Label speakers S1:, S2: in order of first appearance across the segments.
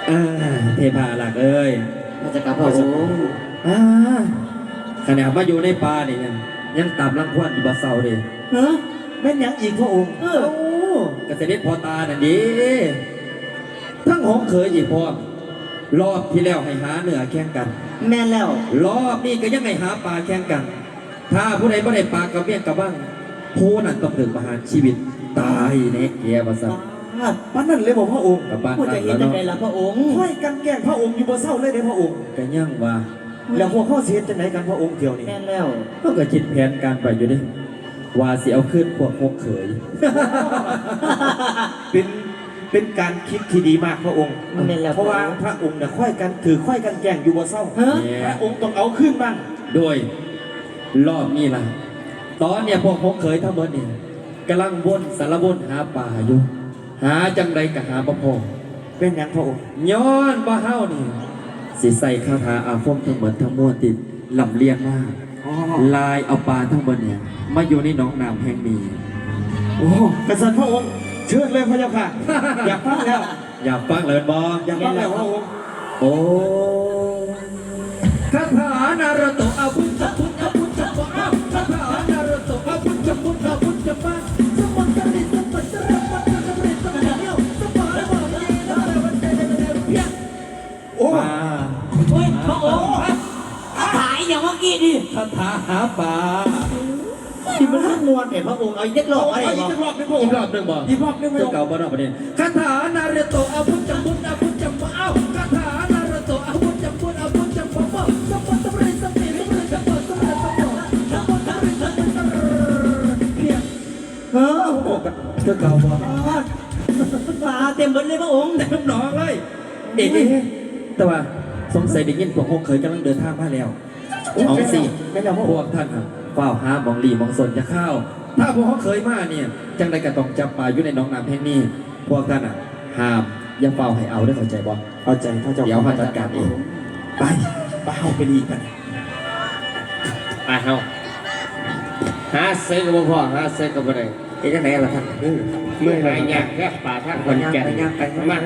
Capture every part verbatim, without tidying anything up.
S1: อ่าเทพาหลักเอ้ย
S2: มาจากกับพระองค์
S1: อ่าขณะมาอยู่ในป่าเนี่ยยังยังตามรังควานอยู่บ่เศร้าเลย
S2: ฮะแม่นยังอีกพระองค์
S1: เออเกษตรพ่อตาน่ะดีทั้งหงเคยอีกพ่อรอบที่แล้วให้หาเหนือแข่งกัน
S2: แม่นแล้ว
S1: รอบนี้ก็ยังให้หาปลาแข่งกัน ถ้าผู้ใดไม่ได้ปลากับเบี้ยกับบ้างผู้นั้นต้องถึงประหารชีวิตตายในเกียร์ภาษา
S3: ป้านั่นเลยบอกพระองค์
S2: ผู้จะเห็นยังไงล่ะพระองค์
S3: ค่อยกันแกล้งพระองค์อยู่บ่เศร้าเลยเด้พระองค์
S1: ก็ยังว่า
S3: แล้วพวกข้อเสียจะไหนกันพระองค์เดียวนี่
S2: แม่นแล้ว
S1: ก็กระจิตแผนการไปอยู่ดิว่าเสียเอาขึ้นพวกพวกเขย
S3: เป็นเป็นการคิดที่ดีมากพระองค์เพราะว่าพระองค์เนี่ยค่อยกันถือค่อยกันแกล้งอยู่บ่เศร้าพระองค์ต้องเอาขึ้นบ้าง
S1: โดยรอบนี้ล่ะตอนเนี่ยพวกพวกเขยทั้งหมดเนี่ยกำลังวนสารวนหาป่าอยู่หาจังใดกับหาบ่พอ
S3: เป็นอย่างพระองค์
S1: ย้อนบ่เฮานี่สิใส่คาถาอาคมทั้งหมดทั้งมวลติดลำเลียงมาลายเอาปลาทั้งหมดเนี่ยมาอยู่ในหนองน้ำแห่งนี้
S3: โอ้กษัตริย์พระองค์เชิญเลยพระเจ้าค่ะอยากฟังแล้ว
S1: อยากฟังเลยบอ
S3: อยากฟังแล้วพระองค์
S1: โอ้คาถานารุโตะอาวุธจับพุทธอาวุธจับปะคาถานารุโตะอาวุธจับพุทธอาวุธจับปะสมบัติริสมบัติริสมบัติริสมบัติเดียวสมบัติบอกยีแล้วแต่วันเดียวเดียวเพี้ย
S3: โอ้
S2: โอ้ยพระองค์ขายอย่างเมื่อกี้ดิ
S1: คาถาหาปลา
S2: ที่มันมวนเห็นพระองค์เอาอีกรอบอะไร
S3: อีกรอบนึง
S1: อีกรอบนึงบอก
S3: อีกรอบนึงไม่
S1: เก่าบ่รอบประเด็นคาถานารุโตะอาวุธจับพุทธอาวุธจับปะเอ้าคาถานารุโตะอาวุธจับพุทธอาวุธจับปะสมบัติริสมบัติริสมบัติจับปะสมบัติสมบัติสมบัติริสมบัติเพี้ย
S3: เออเธอเก่าบ่
S2: ปลาเต็มหมดเลยพระองค์
S1: เต็มหนองเลยเอ๊ะแต่ว่าสงสัยได้ยินพวกพวกเคยกำลังเดินทางมาแล้วเอาสิพวกท่านครับเฝ้าหามองหลีมองสนจะเข้าถ้าพวกเขาเคยมาเนี่ยจังใดก็ต้องจับปลาอยู่ในหนองน้ำแห่งนี้พวกท่านอ่ะห้ามอย่าเฝ้าให้เอาได้เข้าใจบ่
S3: เข้าใจพระเจ้า
S1: เดี๋ยวมาจัดการเอง
S3: ไปไปเอาไปดีกัน
S4: ไปเฮาหาเซ็กกับพ่อหาเซ็กกับอะไร
S1: เอ๊ะจังไหนล่ะท่าน
S4: เมื่อไหร่เนี่ยแค่ป่าท่านคนแก่มา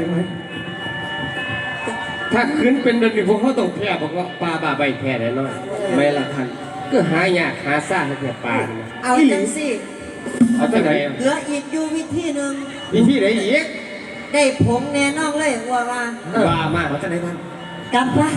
S4: ถ้าขึ้นเป็นเดือนพวกเขาต้องแพ้เพราะว่าปลาบาใบแพ้แน่นอนไม่ละท่านก็หายากหาซ่าให้แก่ปลา
S2: เอาจังสิ
S4: เอาจังไหน
S2: เหลืออีกอยู่วิธีหนึ่ง
S4: วิธีไหนอีก
S2: ได้ผงแน่นอนเลยว่าว่า
S4: ปลามาก
S1: เอาจังไหนท่าน
S2: กลับปะ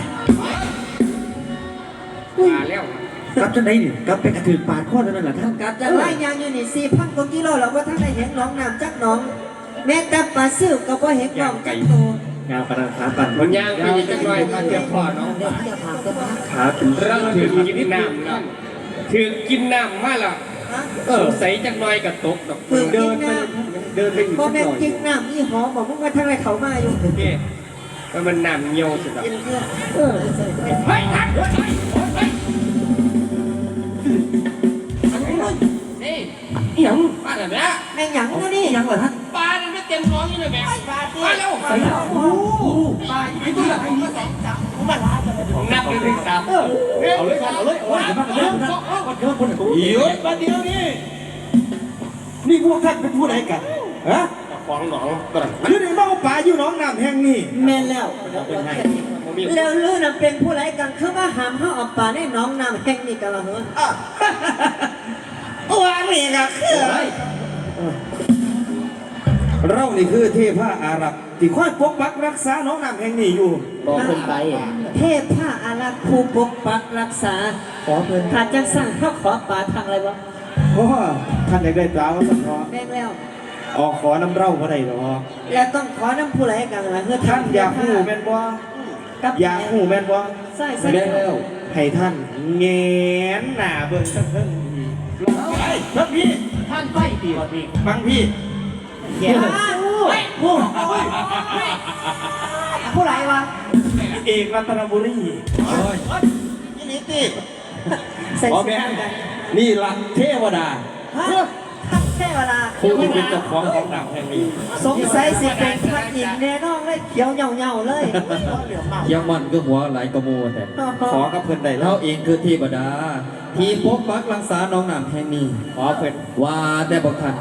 S4: ปลาแล้ว
S1: กลับจังไหนนี่กลับไปกระถือปาดข้อเท่านั้นแหละท่าน
S2: กลับจะไล่ยางอยู่นี่สี่พันกว่ากิโลแล้วว่าท่านได้เห็นน้องน้ำจักน้องแม้แต่ปลาซิ่วก็บ่เห็นน้องจักโต
S1: ยาวกระดาษขาปั่น
S4: มันยางไปจังหน่อยมาเตรียมพอเนาะ
S1: ขาถึง
S4: เราถือกินน้ำแล้วถือกินน้ำมาแล้วเออใส่จังหน่อยกับตกกับ
S2: เดินเดินไปอีกพ่อแม่กินน้ำนี่หอมบอกมึงว่าทางไรเขามาอยู่
S4: โอเคมันน้ำเยี่ยวสุดแล้ว
S2: เออ
S4: เฮ้ยทักเฮ้ยเฮ้ยนี่หยังปลาแบบนี้
S2: แม่หยังนะนี่
S1: หยังเหรอท่าน
S4: ปลาเนี่ยไม่เต็มท้องนี่เลยแม่
S2: ปลา
S4: ปลาเร็วปลาเร็วโอ้ปลาไอ้ตัวไหนมาสองสามมันนับหนึ่งสาม
S1: เอาเลยเอาเลยเอาเลยมาเลยมาเยอะคนเ
S3: ยอะมาเดียวนี่นี่พวกท่านเป็นผู้ใดกันฮะ
S4: ของหนอง
S3: คือในบ้าป่าอยู่หนองน้ำแห่งนี้
S2: แม่แล้วแล้วเรื่องนั้นเป็นผู้ใดกันคือว่าหามห้าออกป่าในหนองน้ำแห่งนี้กันละเหรอว่านี่ก็คือ
S3: เรานี่คือเทพอาหรับที่คอยปกปักรักษาน้องน้ำแห่งนี้อยู่
S2: บอกเพิ่นไปเทพอาหรับผู้ปกปักรักษาขอเพิ่นถ้าจะสั่งเขาขอป่าทางอะไรวะ
S3: เพราะว่าท่านได้ได้ปลาว่าสังเคราะห์
S2: แม่แล้ว
S3: ออกขอน้ำเร่าก็ได้หรอ
S2: แล้วต้องขอน้ำผู้ไรกันล่ะเพื่อ
S3: ท่านอยากหูแม่นบ่อยากหูแม่นบ่
S2: ใช่ใช่
S3: แล้วให้ท่านเงนหน้าเบิ่งทั้งทั้งลงไปครับพี่
S4: ท่านไฟตีครับพี่
S3: ฟังพี่
S2: เดี๋ยวผู้ผู้ไรวะ
S3: เอกรัตนบุรี
S2: โอ้ยยี่นี่ตี
S3: อ๋อแม่นี่ละเทวดา
S2: เทวดา
S3: ผู้ที่เป็นเจ้าของของดาวแห่งนี้
S2: สงสัยสิเป็นพระอินทร์แน่นอนเลยเขียวเหงาๆเลย
S1: ยังมันก็หัวไหลกระโมแต่
S3: ขอกับเพื่อนใด
S1: เราเองคือเทวดาที่ปกปักรักษาน้องน้ำแห่งนี้
S3: ขอเพื่อน
S1: ว่าแต่บอกท่าน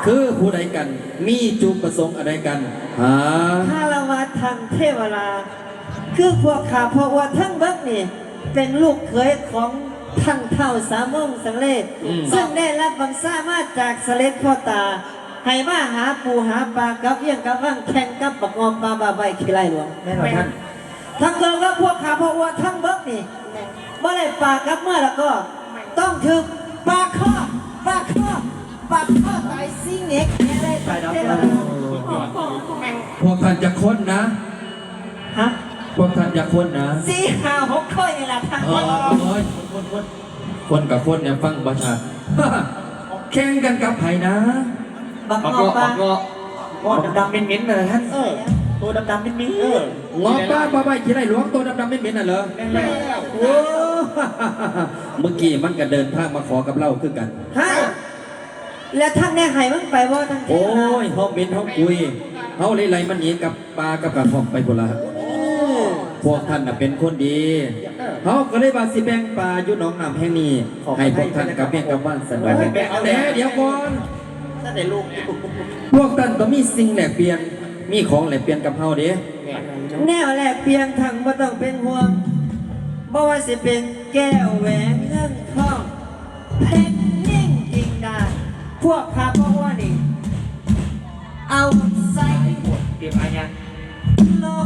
S1: คือผู้ใดกัน มีจุดประสงค์อะไรกันหา
S2: ถ้าเรามาทางเทวราคือพวกข้าเพราะว่าทั้งเบิกนี่เป็นลูกเขยของทั้งเท่าสามองสังเลศซึ่งได้รับบังซ่ามาจากเสล็จพ่อตา ให้มาหาปูหาปลากับเยี่ยงกับว่างแข่งกับปักงอมปลาบาใบขี้ไรหลวงแม่นบ่ท่านทั้งเกิงแล้วพวกข้าเพราะว่าทั้งเบิกนี่เมื่อไรปลากับเมื่อแล้วก็ ต้องถึงปลาข้อปลาข้อปลาข้อตายซิงเน็กอะไรไปเทวรา
S1: พวกท่านจะค้นนะ
S2: ฮะ
S1: พวกท่านจะค้นนะ
S2: สี่ห้าหกค่อยนี่แหละท่าน
S1: เออโอ้ยคนคนคนกับคนเนี่ยฟังประชา แข่งกันกับไผ่นะ
S2: บัก
S4: ออก
S2: งอ
S4: เงาะ
S2: ป
S4: อ
S2: ลา
S4: อกเงาะ
S3: ก้อนดำๆเหม็นๆเลยท่านเออตัวดำๆเหม็นๆเออง
S1: อป้าป้าใบขี้ไรหลวงตัวดำๆไม่เหม็นน่ะเหรอ โอ้ เมื่อกี้มันก็เดินทางมาขอกับเราคือกัน
S2: ฮะแล้วท่านแน่หายมันไปว่าท่านเท
S1: โอ้
S2: วดาย
S1: ห้องเบนห้องคุยเฮาเลยไรมันหนีกับปลากับกระทองไปพุ่นละพวกท่านน่ะเป็นคนดีเฮาก็เลยบาสิแบ่งปลาอยู่หนองน้ำแห่งนี้ให้พวกท่านกับแม่กับบ้านสนองแต่เดี๋ยวก่อน
S3: ถ้าได้ลูก
S1: พวกท่านต้องมีสิ่งแลกเปลี่ยน มีของแลกเปลี่ยนกับเฮาเด้
S2: แน่แหละเพียงทางบ่ต้องเป็นห่วงบ่ว่าสิเป็นแก้วแหวนเงินทองเพชรนิ่งจริงดาพวกข้าเพราะว่านี่เอาใส่
S3: เตรียมอะไรยัง
S2: โลก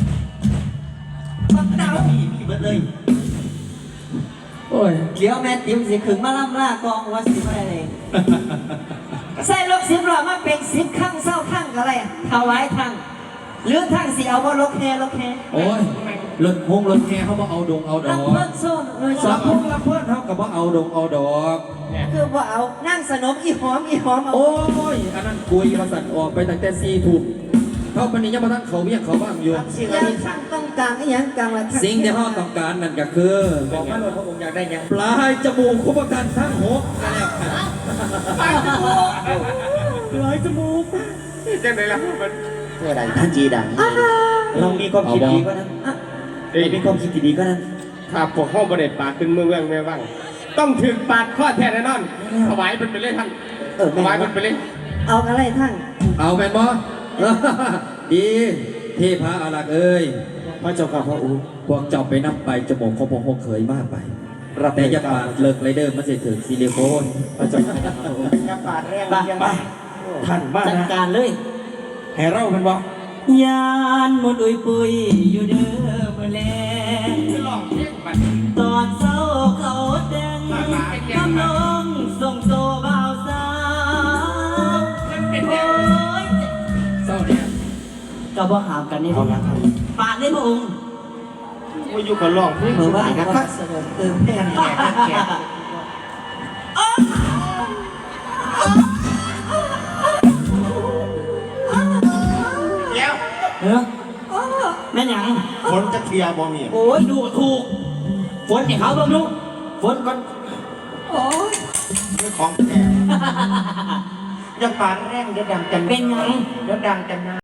S2: บักเต๋า
S3: มีมีเบิดเลย
S1: โอ้ย
S2: เดี๋ยวแม่ติ๋มสิขึงมาล่ำล่ากองว่าสิบ่ได้เลยใส่ลกสิบล้อมาเป็นสิบข้างเศร้าข้างก็อะไรถวายทางหรือทางสิเอาบ่ลกแฮลกแฮ
S1: โอ้ยรถฮงรถแห่เขาบ่เอาดงเอาด
S2: รั
S1: อบ ก
S2: เพิ่นโซนเลยส
S1: ส
S2: อ
S1: อง งพงละเพื่อนเขาก็บ่เอาดงเอาดอก
S2: คือว่าเอานั่งสนมอีหอมอีหอมเอา
S1: โอ้ย อันนั้นกุยมาสั่นออกไปตั้งแต่สี่ทุ่มเขาปานนี้ยังมาทั้งเขาเวียงเขาบ้างอยู่
S2: สิ่งที่ท่านต้องการอีหยังกลางละท่าน
S1: สิ่งที่เขาต้องการนั่นก็คือ
S3: บอกมาเลยพระองค์อยากได้ยัง
S1: ปลายจมูกคุปกันทั้งหกนั่นแหละครับ
S3: ปลายจมูก
S4: จังไหนล่ะมัน
S3: เพื่ออะไรท่านจีดังเรามีความคิดดีก็นั้นเรามีความคิดที่ดีก็นั้น
S4: ถ้าพวกห้องบริเวณปากขึ้นเมืองเมืองแม่ว่างต้องถึงปากข้อแท้แน่นอนถวายมันไปเลยท่าน
S3: เออ
S4: ถวายมันไปเลย
S2: เอาอะไรท่าน
S1: เอาแม่นบ่ ดีเทพาอารักษ์เอ้ย
S3: พระเจ้าข้าพระองค์
S1: พวกเจ้าไปนับไปจมูกของพวกหกเคยมากไป
S3: รับ
S1: แต่อย่าปาดเลิกไรเดอร์มันสิถึงซิลิโคน
S3: พระเจ้าข้าพระองค์
S2: อย่าปาดแรง
S3: ไปไปท่านบ้าน
S2: จัด
S3: นะ
S2: การเลย
S3: ให้เราเป็นบ่
S2: ยานหมดอุยปุยอยู่เด้อเมื่อแลง
S4: ลองเช็คบัตร
S2: ตอนเศร้าเขาแดงกำลงส่งโตบ่าวสาวโอ้ย
S1: เศร้าเนี่ย
S2: ก็บ่หามกันนี่
S3: เอาละครับ
S2: ปาดเลยพระองค์
S3: ว่าอยู่กับลองนี่
S2: เมื่อว่าก็เสนอเติมแทนแก่แก่
S3: เดี๋ยว
S2: เออแม่นหยัง
S3: ฝนจะเคลียร์บ่มี
S2: โอ้ยดูถูกฝนให้เขาบ้างลูกฝนก่อนโอ้ย
S3: เรื่องของแท้ยังปานแรงเดี๋ยวดังจัน
S2: เป็นไง
S3: เดี๋ยวดังจันนา